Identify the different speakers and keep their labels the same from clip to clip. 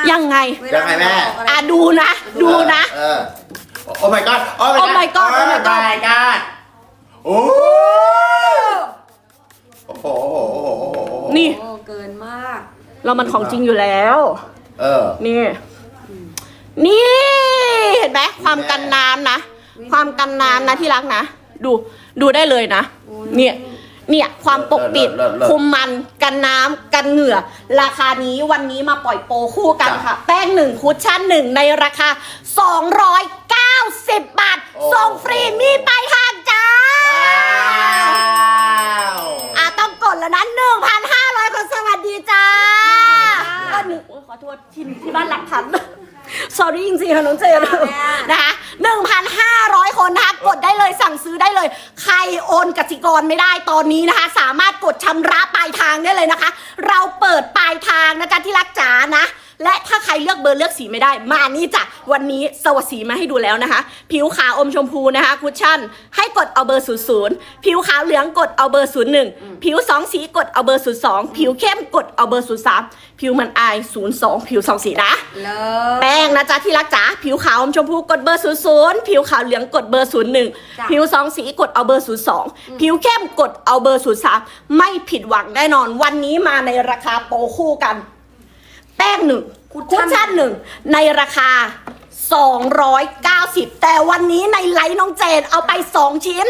Speaker 1: ยังไง
Speaker 2: ยังไงแม่
Speaker 1: ดูนะดูนะ
Speaker 2: โอ้ my god โอ้
Speaker 1: my god โอ้ my god
Speaker 2: โอ้โห
Speaker 1: นี่
Speaker 3: เกินมาก
Speaker 1: เรามันของจริงอยู่แล้วนี่เห็นไหมความกันน้ำนะความกันน้ำนะที่รักนะดูได้เลยนะเนี่ยความปกปิดคุมมันกันน้ำกันเหงื่อราคานี้วันนี้มาปล่อยโปรคู่กันค่ะแป้ง1คุชชั่น1ในราคา290 บาทส่งฟรีมีปลายทางจ้าต้องกดแล้วนะ 1,500 คนสวัสดีจ้าขอโทษที่บ้านหลักพันsorry จริงๆค่ะน้องเจนนะคะ 1,500 คนนะคะกดได้เลยสั่งซื้อได้เลยใครโอนกสิกรไม่ได้ตอนนี้นะคะสามารถกดชำระปลายทางได้เลยนะคะเราเปิดปลายทางนะจ๊ะที่รักจ๋านะและถ้าใครเลือกเบอร์เลือกสีไม่ได้มานี่จ้ะวันนี้สวัสดีมาให้ดูแล้วนะคะผิวขาวอมชมพูนะคะคุชชั่นให้กดเอาเบอร์00ผิวขาวเหลืองกดเอาเบอร์01ผิว2สีกดเอาเบอร์02ผิวเข้มกดเอาเบอร์03ผิวมันอาย02ผิว2สีนะแป้งนะจ๊ะที่รักจ๋าผิวขาวอมชมพูกดเบอร์00ผิวขาวเหลืองกดเบอร์01ผิว2สีกดเอาเบอร์02ผิวเข้มกดเอาเบอร์03ไม่ผิดหวังแน่นอนวันนี้มาในราคาโปรคู่กันแป้ง1คุชชั่น1ในราคา290แต่วันนี้ในไลฟ์น้องเจนเอาไป2ชิ้น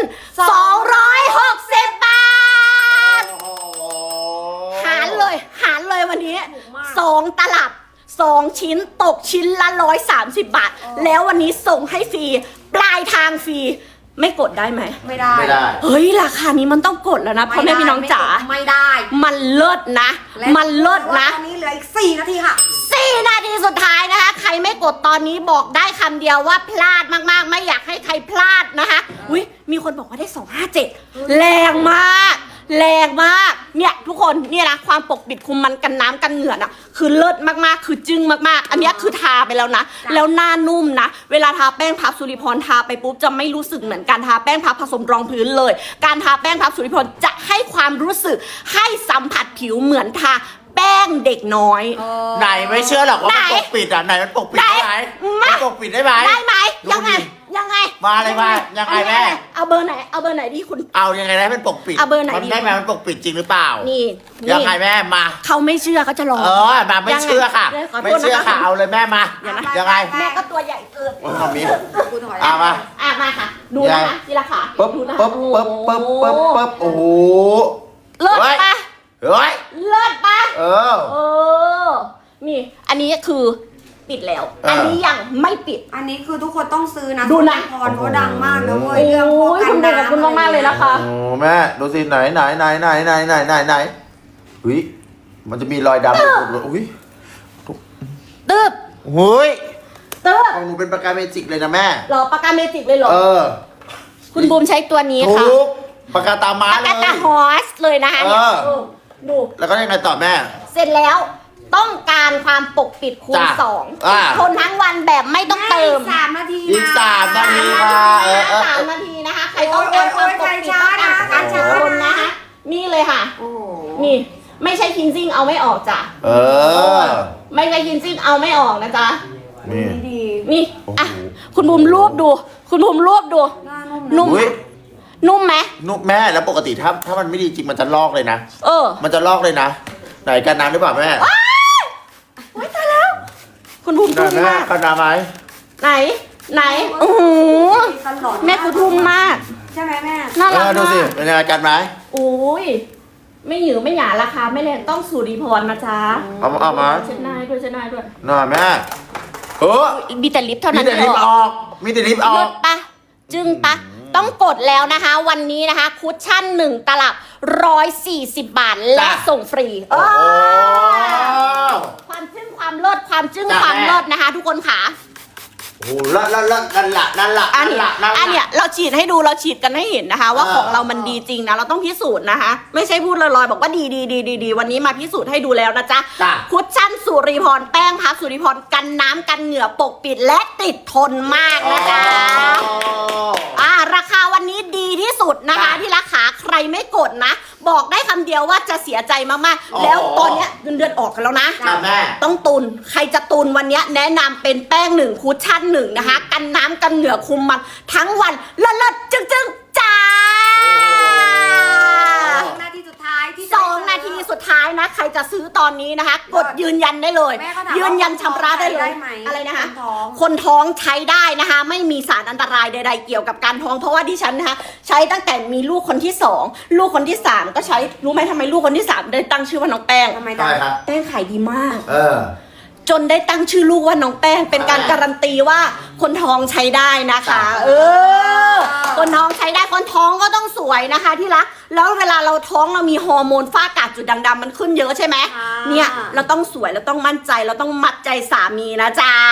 Speaker 1: 260 บาทหารเลยวันนี้2ตลับ2ชิ้นตกชิ้นละ130 บาทแล้ววันนี้ส่งให้ฟรีปลายทางฟรีไม่กดได้ไหม
Speaker 3: ไม่ได้
Speaker 1: เฮ้ยราคานี้มันต้องกดแล้วนะพ่อแม่พี่น้องจ๋า
Speaker 3: ไม่ได้
Speaker 1: มันเลิศนะมันเลิศนะ
Speaker 3: ตอนนี้เหลืออีก4 นาทีค่ะ
Speaker 1: 4 นาทีสุดท้ายนะคะใครไม่กดตอนนี้บอกได้คำเดียวว่าพลาดมากๆไม่อยากให้ใครพลาดนะคะอุ้ยมีคนบอกว่าได้257แรงมากเนี่ยทุกคนเนี่ยนะความปกปิดคุมมันกันน้ำกันเหงื่อน่ะคือเลิศมากๆคือจึ้งมากๆอันนี้คือทาไปแล้วนะแล้วหน้านุ่มนะเวลาทาแป้งพับสุริพรทาไปปุ๊บจะไม่รู้สึกเหมือนการทาแป้งพับผสมรองพื้นเลยการทาแป้งพับสุริพรจะให้ความรู้สึกให้สัมผัสผิวเหมือนทาแป้งเด็กน้อย
Speaker 2: ไหนไม่เชื่อหรอกว่ามันปกปิดไหนมันปกปิดได้ไหมมันปกปิดได้ไหม
Speaker 1: ยังไง
Speaker 2: มาเลยว่ายังไงแม่
Speaker 1: เอาเบอร์ไหนที่คุณ
Speaker 2: เอายังไงได้มันปกปิด
Speaker 1: เอาเบอร์ไหน
Speaker 2: มันได้ไหมมันปกปิดจริงหรือเปล่า
Speaker 1: นี่
Speaker 2: ยังไงแม่มา
Speaker 1: เขาไม่เชื่อเขาจะรอ
Speaker 2: มาไม่เชื่อค่ะไม่เชื่อค่ะเอาเลยแม่มายังไง
Speaker 1: แม่ก็ตัวใหญ่เกิน
Speaker 2: ทำนี้
Speaker 1: มาค่ะดูนะคะทีละขา
Speaker 2: ปึ๊บโอ้โห
Speaker 1: เลิศปะ
Speaker 2: เลิศ
Speaker 1: ปะนี่อันนี้คือปิดแล้วอันนี้ยังไม่ปิด
Speaker 3: อันนี้คือทุกคนต้องซื้อนะ
Speaker 1: ดูนะ
Speaker 3: พรเขาดังมากนะเว้ย
Speaker 1: เรื่องพวกกันน้ำขอบคุณมากๆเลยนะคะ
Speaker 2: โอ้แม่ดูสิไหนอุ้ยมันจะมีรอยดำอุ้ย
Speaker 1: ตึ๊บ
Speaker 2: ของหนูเป็นปากกาเมจิกเลยนะแม่
Speaker 1: หรอปากกาเมจิกเลยหรอคุณบูมใช้ตัวนี้ค่ะ
Speaker 2: ปากกาตาม้าเลย
Speaker 1: ปากกาตาฮอสเลยนะคะเนี่ยดู
Speaker 2: แล้วก็ยังไงต่อแม่
Speaker 1: เสร็จแล้วต้องการความปกปิดคูณ2ทนทั้งวันแบบไม่ต้องเติม
Speaker 3: 3 นาที
Speaker 2: อีก3 นาทีค่ะ
Speaker 1: 3 นาทีนะคะใครต้องการความปกปิดต้องการทนนะคะนี่เลยค่ะนี่ไม่ใช่คินซิ่งเอาไม่ออกจ้ะไม่ใช่คินซิ่งเอาไม่ออกนะจ๊ะนี่อ่ะคุณบุ๋มรวบดูนุ่มไหม
Speaker 2: นุ่มแม่แล้วปกติถ้ามันไม่ดีจริงมันจะลอกเลยนะมันจะลอกเลยนะไหนกันน้ำหรือเปล่าแม่
Speaker 1: ว้ายตายแล้วคุณบุ๋มทุ่มมาก
Speaker 2: กันน้ำไหม
Speaker 1: ไหนโอ้โหแม่กูทุ่มมาก
Speaker 3: ใช่ไหมแม่
Speaker 1: น่ารักมาก
Speaker 2: ดูสิเป็นยังไงกันไหม
Speaker 1: โอ้ยไม่หยือไม่หยาราคาไม่แรงต้องสุริพรนะจ๊ะ
Speaker 2: เอามา
Speaker 1: เช็ดหน้าด้วย
Speaker 2: น่าแม่
Speaker 1: มีแต่ลิปเท่านั้น
Speaker 2: มีแต่ลิปออก
Speaker 1: ปะจึ้งปะต้องกดแล้วนะคะวันนี้นะคะคุชชั่น1ตลับ140 บาทและส่งฟรีความจึ้งความเลิศความจึ้งความเลิศนะคะทุกคนค่ะ
Speaker 2: โอ้ละนั่นละ
Speaker 1: อันเนี้ยเราฉีดให้ดูเราฉีดกันให้เห็นนะคะว่าของเรามันดีจริงนะเราต้องพิสูจน์นะคะไม่ใช่พูดลอยๆบอกว่าดีวันนี้มาพิสูจน์ให้ดูแล้วนะจ๊ะคุชชั่นสุริพรแป้งพับสุริพรกันน้ำกันเหงื่อปกปิดและติดทนมากนะจ๊ะราคาวันนี้ดีที่สุดนะคะที่ราคาใครไม่กดนะบอกได้คำเดียวว่าจะเสียใจมากๆแล้วตอนเนี้ยเงินเดือนออกกันแล้วนะ
Speaker 2: จ้ะแม่
Speaker 1: ต้องตุนใครจะตุนวันเนี้ยแนะนำเป็นแป้ง1คุชชั่น1นะคะกันน้ำกันเหงื่อคุมมันทั้งวันเลิศๆจึงๆจ้า
Speaker 3: 2 นาทีสุดท้ายที่
Speaker 1: 2 นาทีสุดท้ายนะใครจะซื้อตอนนี้นะคะ กดยืนยันได้เลย
Speaker 3: แม่ก็ถาม
Speaker 1: ยืนยันชำระได้เลย
Speaker 3: หม
Speaker 1: อะไรนะคะ
Speaker 3: คนท้อง
Speaker 1: คนท้องใช้ได้นะคะ ไม่มีสารอันตรายใดๆเกี่ยวกับการท้องเพราะว่าดิฉันนะคะใช้ตั้งแต่มีลูกคนที่2ลูกคนที่3ก็ใช้รู้ไหมทำไมลูกคนที่3ได้ตั้งชื่อว่าน้องแป้ง
Speaker 3: ทำไม
Speaker 2: ใช่ครับ
Speaker 1: แป้งขายดีมาก
Speaker 2: เ
Speaker 1: จนได้ตั้งชื่อลูกว่าน้องแป้งเป็นการการันตีว่าคนท้องใช้ได้นะคะ คนท้องใช้ได้คนท้องก็ต้องสวยนะคะที่รักแล้วเวลาเราท้องเรามีฮอร์โมนฝ้ากระจุดด่างดำมันขึ้นเยอะใช่ไหมเนี่ยเราต้องสวยเราต้องมั่นใจเราต้องมัดใจสามีนะจ๊ะ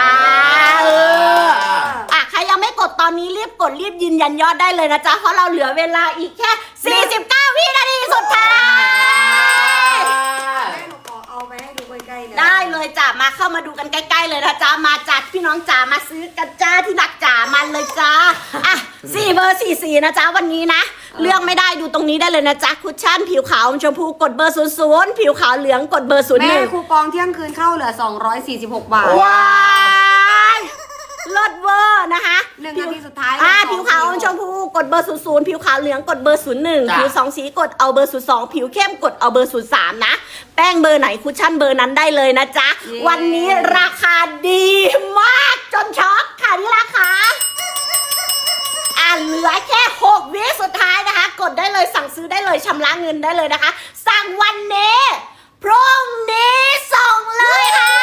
Speaker 1: ใครยังไม่กดตอนนี้รีบกดรีบยืนยันยอดได้เลยนะจ๊ะเพราะเราเหลือเวลาอีกแค่49 วินาทีสุดท้าย
Speaker 3: แม่หนูขอเอาไปให้ดูใกล้ๆเลย
Speaker 1: ได้เลยจ้ะมาเข้ามาดูกันใกล้ๆเลยนะจ๊ะมาจัดพี่น้องจ๋ามาซื้อกันจ้าที่รักจ๋ามันเลยจ้า4 เบอร์ 44นะจ๊ะวันนี้นะเลือกไม่ได้ดูตรงนี้ได้เลยนะจ๊ะคุชชั่นผิวขาวชมพูกดเบอร์00ผิวขาวเหลืองกดเบอร์01
Speaker 3: แม่คูปองเที่ยงคืนเข้าเหลือ246 บาท
Speaker 1: ว้ายเลิศเวอร์นะคะ
Speaker 3: 1 นาทีสุดท้าย
Speaker 1: ผิวขาวชมพูกดเบอร์00ผิวขาวเหลืองกดเบอร์01ผิว2สีกดเอาเบอร์02ผิวเข้มกดเอาเบอร์03นะแป้งเบอร์ไหนคุชชั่นเบอร์นั้นได้เลยนะจ๊ะวันนี้ราคาดีมากจนช็อกค่ะที่ราคาเหลือแค่6 วิสุดท้ายนะคะกดได้เลยสั่งซื้อได้เลยชำระเงินได้เลยนะคะสั่งวันนี้พรุ่งนี้ส่งเลยค่ะ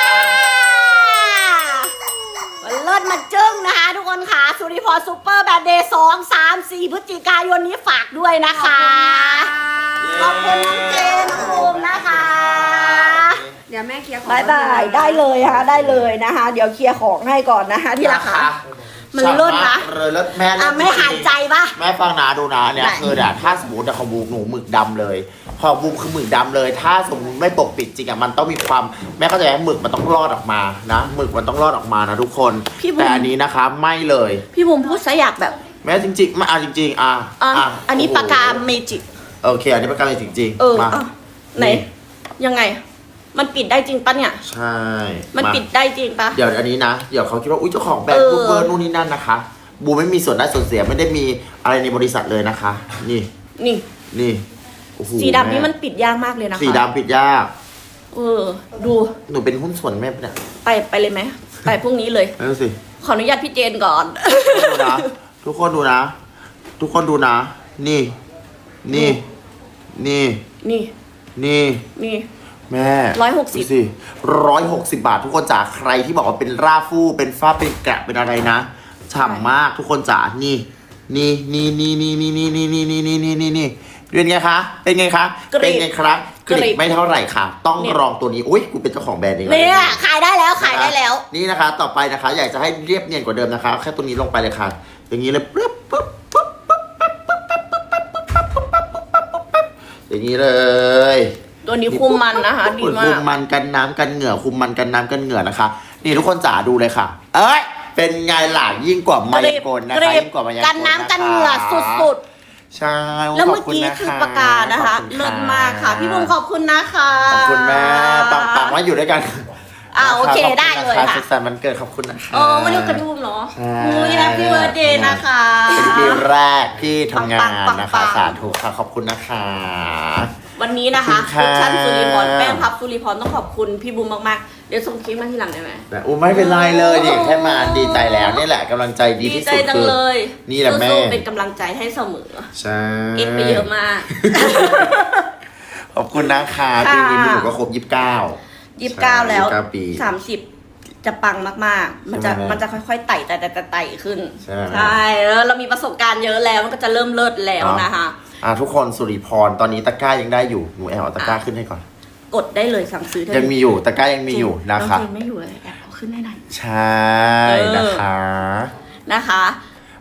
Speaker 1: เลิศมาจึ้งนะคะทุกคนค่ะสุริพรซูเปอร์แบดเดย์2 3 4พฤศจิกายนนี้ฝากด้วยนะคะขอบคุณน้องเจนน้องภูมินะคะ
Speaker 3: เดี๋ยวแม่เคลียร์ของ
Speaker 1: บายบายได้เลยค่ะได้เลยนะคะเดี๋ยวเคลียร์ของให้ก่อนนะคะที่ราคามันเลิศนะ
Speaker 2: เลยแล้วแม่
Speaker 1: ไม่หายใจปะ
Speaker 2: แม่ฟังนะดูนะเนี่ย
Speaker 1: ไหน
Speaker 2: คือเนี่ยถ้าสมมติของบูมหนูหมึกดำเลยพอบูมคือหมึกดำเลย ถ้าสมมติไม่ปกปิดจริงอ่ะมันต้องมีความแม่เข้าใจไหมหมึกมันต้องรอดออกมานะหมึกมันต้องรอดออกมานะทุกคนแต่อันนี้นะคะไม่เลย
Speaker 1: พี่บุ๋มพูดซะอยากแบบ
Speaker 2: แม่จริงๆมาจริงๆ
Speaker 1: อันนี้ปากกาเมจิก
Speaker 2: โอเคอันนี้ปากกาเมจิกจริงมา
Speaker 1: ไหนยังไงมันปิดได้จริงปะเนี่ย
Speaker 2: ใช่
Speaker 1: มันปิดได้จริงปะ
Speaker 2: เดี๋ยวอันนี้นะเดี๋ยวเขาคิดว่าอุ้ยเจ้าของแบรนด์บูเบอร์นู่นนี่นั่นนะคะบูไม่มีส่วนได้ส่วนเสียไม่ได้มีอะไรในบริษัทเลยนะคะ นี่โอ้โห
Speaker 1: สีดำนี่มันปิดยากมากเลยนะคะ
Speaker 2: สีดำปิดยาก
Speaker 1: ดู
Speaker 2: หนูเป็นหุ้นส่วนแม่ปะเนี่ย
Speaker 1: ไปเลยไหมไปพรุ่งนี้เลย
Speaker 2: นั่นสิ
Speaker 1: ขออนุญาตพี่เจนก่อน
Speaker 2: ดูนะทุกคนดูนะ ทุกคนดูนะ นี่
Speaker 1: นี่
Speaker 2: แม่
Speaker 1: 160
Speaker 2: ดูสิ160 บาท ทุกคนจ๋าใครที่บอกว่าเป็นราฟูเป็นฝ้าเป็นแกะเป็นอะไรนะฉ่ำมากทุกคนจ๋านี่เป็นไงคะเป็นไงคะ
Speaker 1: กริบ
Speaker 2: เป็นไงครับก
Speaker 1: กริ
Speaker 2: ริ
Speaker 1: บ
Speaker 2: บไม่เท่าไหร่ค่ะ ต้องลองตัวนี้อุ้ยกูเป็นเจ้าของแบรนด์เอง
Speaker 1: เนี่ยขายได้แล้วขายได้แล้ว
Speaker 2: นี่นะคะ ต่อไปนะคะ อยากจะให้เรียบเนียนกว่าเดิมนะคะแค่ตัวนี้ลงไปเลยค่ะ อย่างนี้เลยปึ๊บอย่างนี้เลย
Speaker 1: ตัวนี้คุมมันนะคะดีมา
Speaker 2: คุ
Speaker 1: ก
Speaker 2: มมันกันน้ำกันเหงื่อคุมมันกันน้ำกันเหงื่อนะคะ นี่ทุกคนจ๋าดูเลยค่ะ เอ้ยเป็นไงล่ะยิ่งกว่ามายากลนะคะยิ่งกว่ามายากล
Speaker 1: กันน้ำกันเหงื่อสุด
Speaker 2: ใช่
Speaker 1: ๆแล้วเมื่อกี้คือปากกานะคะเลิศมากค่ะพี่บุ๋มขอบคุณนะคะ
Speaker 2: ขอบคุณแม่ปังๆว่าอยู่ด้วยกัน
Speaker 1: โอเคได้เลยค่ะ
Speaker 2: สุขสันต์วันเกิดขอบคุณนะคะ
Speaker 1: วันนี้กระดุมเหรอ
Speaker 2: ใช่
Speaker 1: อุ้ยแฮปปี้เบิร์ดเดย์นะคะ
Speaker 2: เป็นปีแรกที่ทำงาน
Speaker 1: ปังๆ
Speaker 2: นะคะ
Speaker 1: ปังๆ
Speaker 2: สาธุค่ะขอบคุณนะคะ
Speaker 1: วันนี้นะคะ
Speaker 2: ขอบคุณค่ะ
Speaker 1: คุชชั่นสุริพรแป้งพับสุริพรต้องขอบคุณพี่บุ๋มมากๆเดี๋ยวส่งคลิปมาทีหลังได้ไหม
Speaker 2: แต่ไม่เป็นไรเลยดิแค่มาดีใจแล้วนี่แหละกำลังใจดี
Speaker 1: ดี
Speaker 2: ที่
Speaker 1: ใจ
Speaker 2: สุด
Speaker 1: จัง
Speaker 2: คือ
Speaker 1: เลย
Speaker 2: นี่แหละแม่
Speaker 1: สู้ๆเป็นกำลังใจให้เสมอ
Speaker 2: ใช่
Speaker 1: เอ็กไปเยอะมาก
Speaker 2: ขอบคุณนะคะ
Speaker 1: ค่ะ
Speaker 2: ปีนี้หนูก็ครบ
Speaker 1: 29 แล้ว
Speaker 2: 29 ปี
Speaker 1: 30 จะปังมากๆ มันจะ
Speaker 2: ใช่ไหม
Speaker 1: มันจะค่อยๆไต่ขึ้น
Speaker 2: ใช่ไหม
Speaker 1: เรามีประสบการณ์เยอะแล้วมันก็จะเริ่มเลิศแล้วนะคะ
Speaker 2: ทุกคนสุริพรตอนนี้ตะกร้ายังได้อยู่หนูแอบเอาตะกร้าขึ้นให้ก่อน
Speaker 1: กดได้เลยสั่งซื้อได้
Speaker 2: ยังมีอยู่ตะกร้ายังมีอยู่นะคะ
Speaker 1: น้องเจนไม่อยู่เลยแอบเอาขึ้นให้หน่อย
Speaker 2: ใช่นะคะ
Speaker 1: นะคะ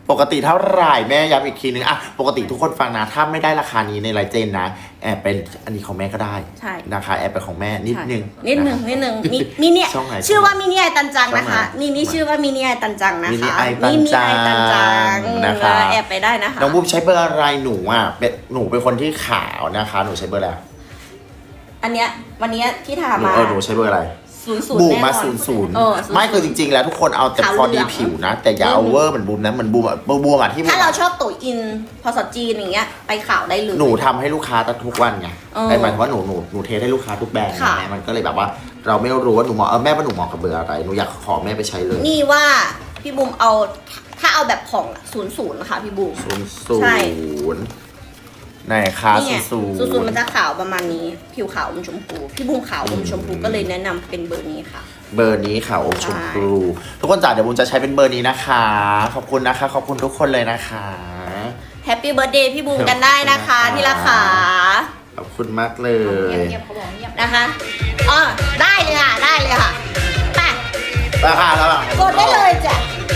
Speaker 2: ปกติเท่าไหร่แม่ย้ำอีกทีนึงอะปกติทุกคนฟังนะถ้าไม่ได้ราคานี้ในไลน์เจนนะแอบเป็นอันนี้ของแม่ก็ได้
Speaker 1: ใช่
Speaker 2: นะคะแอบเป็นของแม่นิดนึง
Speaker 1: นิดนึงมินิ
Speaker 2: ช่องไหน
Speaker 1: ชื่อว่ามินิไอตันจัง
Speaker 2: ช่องไหน
Speaker 1: นะคะนี่ชื่อว่ามินิไอตันจังนะคะ
Speaker 2: มินิไอตันจังนะคะ
Speaker 1: แอบไปได้นะคะ
Speaker 2: น้องบูมใช้เบอร์อะไรหนูอ่ะหนูเป็นคนที่ขาวนะคะหนูใช้เบอร์อะไร
Speaker 1: อันเนี้ยวันเนี้ยที่ทามา
Speaker 2: หนูใช้เบอร์อะไร
Speaker 1: 00
Speaker 2: บูม
Speaker 1: แน่นอน
Speaker 2: มา00
Speaker 1: 00
Speaker 2: ไม่คือจริงๆแล้วทุกคนเอาแต่
Speaker 1: ขาว
Speaker 2: พอ
Speaker 1: เหลื
Speaker 2: ดี
Speaker 1: อง
Speaker 2: ผิวนะ แต่อย่าเอาเวอร์เหมือนบูมนะเหมือนบูมอ่ะที่
Speaker 1: ถ้าเราชอบตุ๋ยอินพอสจีนอย่างเงี้ยไปขาวได้เลย
Speaker 2: หนูทำให้ลูกค้าทุกวันไง
Speaker 1: เออ
Speaker 2: หมายถึงว่าหนูเทสให้ลูกค้าทุกแบรนด์
Speaker 1: ค่ะ
Speaker 2: ไงมันก็เลยแบบว่า เราไม่รู้ว่าหนูเหมาะแม่ว่าหนูเหมาะกับเบอร์อะไรหนูอยากขอแม่ไปใช้เลย
Speaker 1: นี่ว่าพี่บูมเอาถ้าเอาแบบของ00นะคะพี่บูม ใช่
Speaker 2: ไหนคะ
Speaker 1: นี่ไง
Speaker 2: 00
Speaker 1: มันจะขาวประมาณนี้ ผิวขาวอมชมพูพี่บูมขาวอมชมพูก็เลยแนะนำเป็นเบอร์นี้ค่ะ
Speaker 2: เบอร์นี้ค่ะอมชมพูทุกคนจ๋าเดี๋ยวบูมจะใช้เป็นเบอร์นี้นะคะ ขอบคุณนะคะ ขอบคุณทุกคนเลยนะคะ
Speaker 1: แฮปปี้เบิร์ดเดย์พี่บูมกันได้นะคะ ที่ราคา
Speaker 2: ขอบคุณมากเลย
Speaker 3: เงียบเขาบอกเงียบ
Speaker 1: นะคะอ๋อได้เลยค่ะได้เลยค่ะไป
Speaker 2: ราคาแล้ว
Speaker 1: กดได้เลยจ้ะ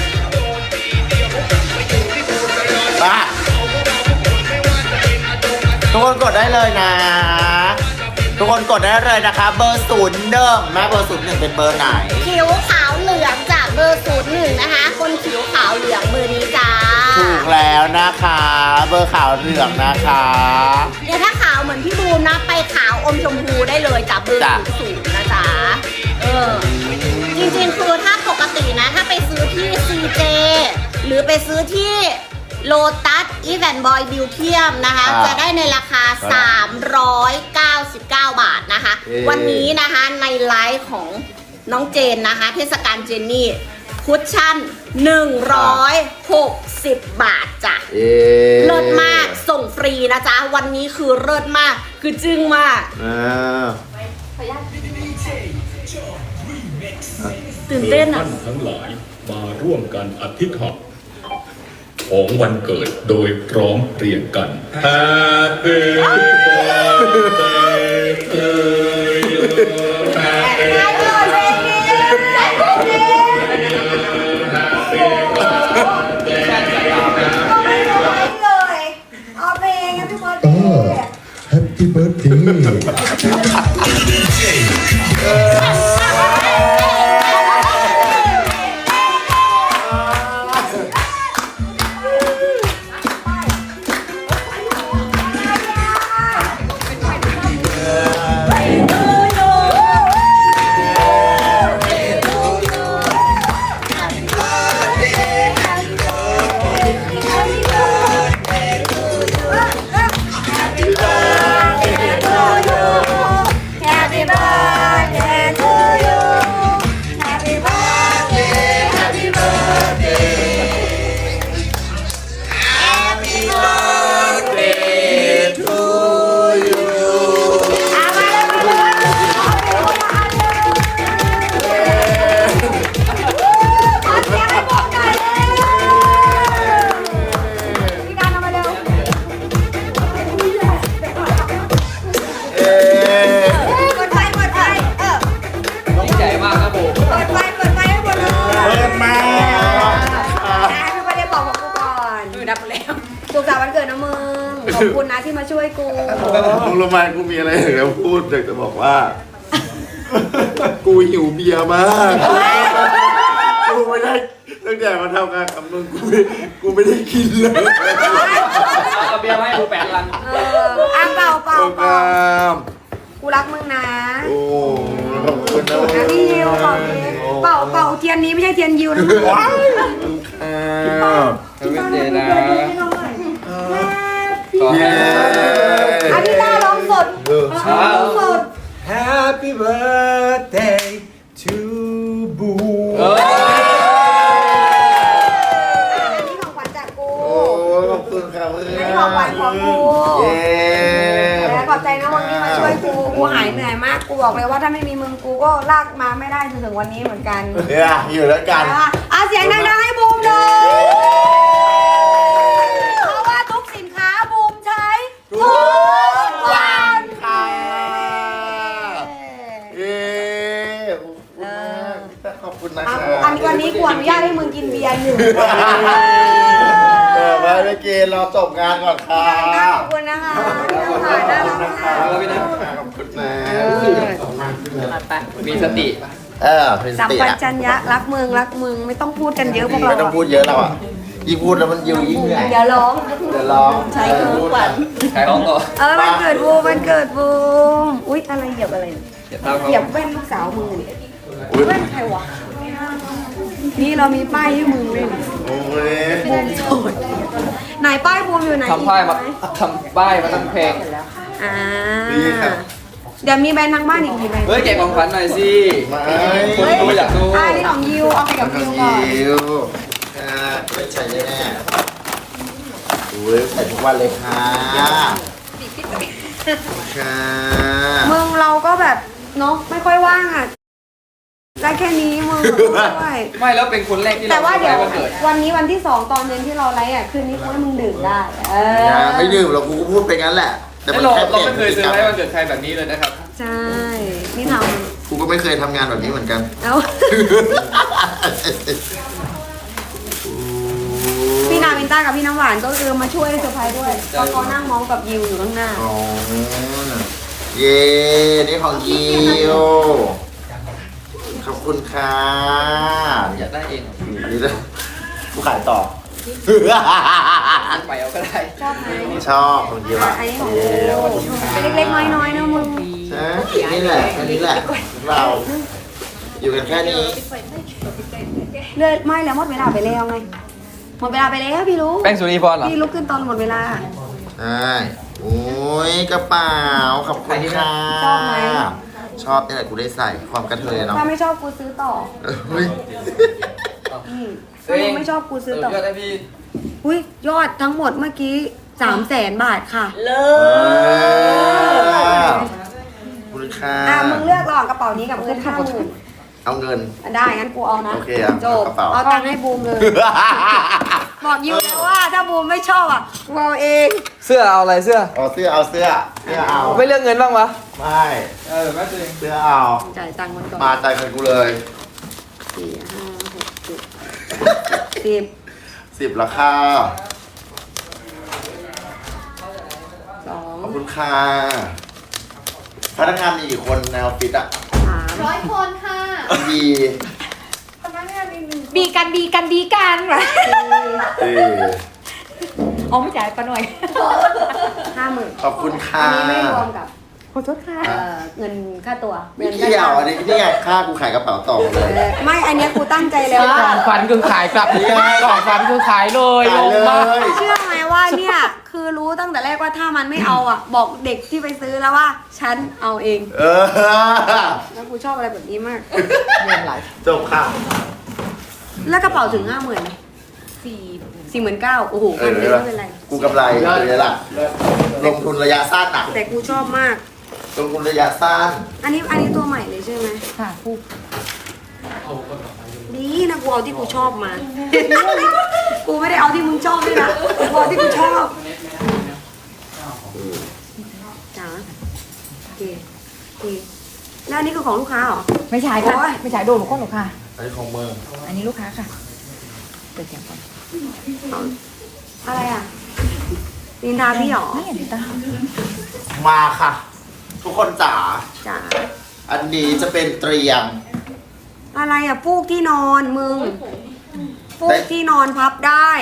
Speaker 2: มาทุกคนกดได้เลยนะ ทุกคนกดได้เลยนะคะ เบอร์01แม่เบอร์01เป็นเบอร์ไหน
Speaker 1: ผิวขาวเหลืองจากเบอร์01นะคะ คนผิวขาวเหลืองเบอร์นี้จ้า
Speaker 2: ถูกแล้วนะคะ เบอร์ขาวเหลืองนะคะ
Speaker 1: เดี๋ยวถ้าขาวเหมือนพี่บูมนะไปขาวอมชมพูได้เลยจากเบอร์
Speaker 2: จ้ะ
Speaker 1: 00นะจ๊ะจริงๆคือถ้าปกตินะถ้าไปซื้อที่ CJ หรือไปซื้อที่โลตัสอีแวนบอยบิวเทียมนะคะ จะได้ในราคา 399 บาทนะคะ วันนี้นะคะในไลฟ์ของน้องเจนนะคะ เทศกาลเจนนี่คุชชั่น 160 บาทจ้ะ เลิศมากส่งฟรีนะจ๊ะ วันนี้คือเลิศมากคือจึ้งมาก ตื่นเต้นอ่ะ
Speaker 4: ท่านทั้งหลายมาร่วมกันอธิษฐานของวันเกิดโดยพร้อมเพรียงกัน Happy birthday to you Happy
Speaker 5: Happy birthday
Speaker 3: พี่การเอามาเร็ว เปิดไฟเปิดไฟ
Speaker 6: ต้องใหญ่มากครับผม
Speaker 3: เปิดไฟให้หมดเลย
Speaker 2: เลิศมาก
Speaker 3: พี่ไม่ได้บอกกูก่อนดับแล้วสุขสันต์วันเกิดนะมึง ขอบคุณนะที่มาช่วยกู
Speaker 2: มึงรู้ไหมกูมีอะไรอยากจะพูดอยากจะบอกว่า กูหิวเบียร์มากกูไม่ได้ตั้งแต่มาทำงานกับมึงกูไม่ได้กินเลย
Speaker 6: เอาเบียร์มาให้ดู8 ลัง
Speaker 3: เป่า
Speaker 2: โอ้กาม
Speaker 3: กูรักมึงนะ
Speaker 2: โอ้ขอบคุณนะ
Speaker 3: นะพี่ยิวเป่าเทียนนี้ไม่ใช่เทียนยิวนะ
Speaker 6: Happy birthday นะ
Speaker 2: เย้
Speaker 3: อันนี้น่าร้องสดร้องสด
Speaker 5: Happy birthday to Boo
Speaker 3: อันนี้ของขวัญจากกู
Speaker 2: โอ้ขอบคุณครับเพื่อน
Speaker 3: อันนี้ของขวัญของกู
Speaker 2: เย้
Speaker 3: ขอบใจนะวันนี้มาช่วยกูหายเหนื่อยมาก กูบอกเลยว่าถ้าไม่มีมึงกูก็ลากมาไม่ได้จนถึงวันนี้เหมือนกัน
Speaker 2: เนี่ยอยู่ด้วยกัน
Speaker 3: เสียงดังๆให้บูมเลยเพราะว่าทุกสินค้าบูมใช้ทุกวัน
Speaker 2: ค่ะเย้ขอบคุณมากขอบคุณนะค
Speaker 3: อัน
Speaker 2: รับ
Speaker 3: วันนี้กูอนุญาตให้มึงกินเบียร์1 วัน
Speaker 2: ไว้ไม่กินเราจบงานก่อนค่ะ
Speaker 3: ขอบคุณนะคะถ่ายน่ารักมาก
Speaker 2: ขอบคุณนะ
Speaker 6: มีสติ
Speaker 2: เป็น
Speaker 3: สัม
Speaker 2: ติ
Speaker 3: ปั
Speaker 2: อะ
Speaker 3: ชัญญะรักเมืองไม่ต้องพูดกันเยอะพวกเรา
Speaker 2: ไม่ต้องพูดเยอะแล้วอ่ะยิ่งพูดแล้วมันยิ่งเหนื่อย
Speaker 3: เดี๋ยวร้อง
Speaker 2: เดี๋ยวลอง
Speaker 1: ใช้คือทุกวัน
Speaker 6: ขายของต่อ
Speaker 3: มันเกิดบูมอุ๊ยอะไรเหยียบอะไรเนี่ย
Speaker 6: อย่าตาม
Speaker 3: เหยียบแว่นลูกสาวมึงเนี่ย
Speaker 2: อุ๊ย
Speaker 3: แว่นใครวะนี่เรามีป้ายให้มึงด้วยนี่
Speaker 2: โอ้ย
Speaker 3: บูมโสดไหนป้ายบูมอยู่ไหน
Speaker 6: ทำป้ายมาทำป้ายมาตั้งเพลง
Speaker 3: อ่าเดี๋ยวมีแบรนด์ทางบ้านอีกกี่แบรนด์
Speaker 6: เฮ้ยแกะของขวัญหน่อยสิ
Speaker 2: ไม่
Speaker 6: คนดูอยากดู
Speaker 3: นี่ของยิวเอาไปกับยิวก่อน
Speaker 2: ยิวไม่ใช่แน่ๆอุ้ยใส่ทุกวันเลยค่ะค่ะ
Speaker 3: มึงเราก็แบบเนาะไม่ค่อยว่างอ่ะได้แค่นี้มึงด้วย
Speaker 6: ไม่แล้วเป็นคนแรกที่
Speaker 3: แต่
Speaker 6: เรา
Speaker 3: ว่าเดี๋ยว
Speaker 6: วันเกิด
Speaker 3: วันนี้วันที่2ตอนเย็นที่เราไลฟ์อ่ะคืนนี้กูให้มึงดื่มได้
Speaker 2: ไม่ดื่มเรากูก็พูดไปงั้นแหละ แต่มัน
Speaker 6: เรา
Speaker 2: แค่
Speaker 6: เราไม่เคย
Speaker 2: ป
Speaker 6: เซอ
Speaker 2: ลี่
Speaker 6: ร์ไพรส์วันเกิดใครแบบนี้เลยนะครับ
Speaker 3: ใช่นี่ท
Speaker 2: กูก็ไม่เคยทำงานแบบนี้เหมือนกัน
Speaker 3: ำแล้วพี่นาวินต้ากับพี่น้ำหวานก็คือมาช่วยเซอร์ไพรส์ด้วยเพราะเขานั่งมองกับยิวอยู่ข้างหน้า
Speaker 2: อ๋อเย้นี่ของยิวขอบคุณค่ะ
Speaker 6: อยากได้เอง
Speaker 2: นี่เลยกูขายต่อ
Speaker 6: ไปเอาก็ได้
Speaker 3: ชอบไหม
Speaker 2: ชอบของยิวอ่ะ
Speaker 3: อันนี้ของกูเล็กๆน้อยๆนะมึง
Speaker 2: ใช่นี่แหละอันนี้แหละ เรา อยู่กันแค่นี้
Speaker 3: เลือดไม่แล้วหมดเวลาไปแล้วไงหมดเวลาไปแล้วพี่รู้
Speaker 6: แป้งสุนีพรเหรอ
Speaker 3: พี่ลุกขึ้นตอนหมดเวลา
Speaker 2: ใช่โอ้ยกระเป๋าขอบคุณค่ะ
Speaker 3: ชอบไหม
Speaker 2: ชอบนี่แหละกูได้ใส่ความกระเทยเนาะ
Speaker 3: ถ้าไม่ชอบกูซื้อต่อ
Speaker 2: เฮ้ย
Speaker 3: ถ้ามึงไม่ชอบกูซื้อต่อ
Speaker 6: เยอะได้พี่
Speaker 3: อุ้ยยอดทั้งหมดเมื่อกี้300,000 บาทค่ะ
Speaker 1: เลิ
Speaker 2: ขอบคุณค่ะ
Speaker 3: มึงเลือกระหว่างกระเป๋านี้กับเงิน50,000
Speaker 2: เอาเงิน
Speaker 3: ได้งั้นกูเอานะ
Speaker 2: โอเคอ่ะ
Speaker 3: จบ
Speaker 2: เอากระเป๋า
Speaker 3: เอาตังค์ให้บูมเลย บอกยูแล้วว่าถ้าบูมไม่ชอบอ่ะกูเอาเอง
Speaker 6: เสื้อเอาอะไรเสื้อ
Speaker 2: เอาเสื้อเอาเสื้อเสื้อเอา
Speaker 6: ไม่เลือกเงินบ้างวะ
Speaker 2: ไม่
Speaker 6: แม่ตัวเอง
Speaker 2: เสื้อเอา
Speaker 3: จ่ายตังค์มันก่อน
Speaker 2: มาใจายเงินกูเลย
Speaker 3: 4 5 6 7
Speaker 2: 10ราคา
Speaker 3: 10
Speaker 2: ขอบ
Speaker 3: 2
Speaker 2: คุณค่ะพนักงานมีกี่คนในออฟฟิศอ่ะ
Speaker 3: 3
Speaker 7: 100 คนค่ะ
Speaker 2: มี
Speaker 7: บีกันบีกันบีกัน
Speaker 2: เออ
Speaker 7: อ๋อไม่จ่ายปะหน่อย
Speaker 3: 50,000
Speaker 2: ขอบคุณค่ะ
Speaker 3: อันนี้ไม่รวมกับขอโทษค่ะเงินค่าตัว
Speaker 2: ไม่เกี่ยวอันนี้นี่ไงค่ากูขายกระเป๋าต่อเลย
Speaker 3: ไม่อันเนี้ยกูตั้งใจแล้ว
Speaker 6: ก่อนฟันคือขายกลับก่อนฟันคือขายเลยล
Speaker 2: ขาย
Speaker 6: ง
Speaker 2: เล
Speaker 6: มาก
Speaker 2: ย
Speaker 3: เชื่อไหมว่าเนี่ยคือรู้ตั้งแต่แรกว่าถ้ามันไม่เอาอ่ะ บอกเด็กที่ไปซื้อแล้วว่า ฉันเอาเอง
Speaker 2: เออ
Speaker 3: แล้วกูชอบอะไรแบบนี้มาก
Speaker 2: จบค่ะ
Speaker 3: แล้วกระเป๋าถึง 50,000ไหม49,000โอ้โหมันไม่เป็นไร
Speaker 2: กูกำไรเลยล่ะ ลงทุนระยะสั้นอ่ะ
Speaker 3: แต่กูชอบมาก
Speaker 2: ลงทุนระยะสั้น
Speaker 3: อันนี้ตัวใหม่เลยใช่ไหม
Speaker 7: ค่ะผู้
Speaker 3: ดีนะกูเอาที่กูชอบมา กูไม่ได้เอาที่มึงชอบด้วยนะกูเอาที่กูชอบจ๋าโอเคโอเคแล้วอันนี้คือของลูกค้าเหรอ
Speaker 7: ไม่ใช่ค่ะ
Speaker 3: โอ๊ย
Speaker 7: ไม่ใช่โดนหนูคนหนูค่ะ
Speaker 2: อันนี้ของมึง
Speaker 7: อันนี้ลูกค้าค่ะเปิดเสียงก่อน
Speaker 3: อะไรอ่ะนินทาพี่เหรอ
Speaker 7: นี่อย่างนี้ตา
Speaker 2: มาค่ะ ทุกคนจ๋า
Speaker 3: จ๋า
Speaker 2: อันนี้จะเป็นเตรียม
Speaker 3: อะไรอ่ะฟูกที่นอนมึงฟูกที่นอนพับได้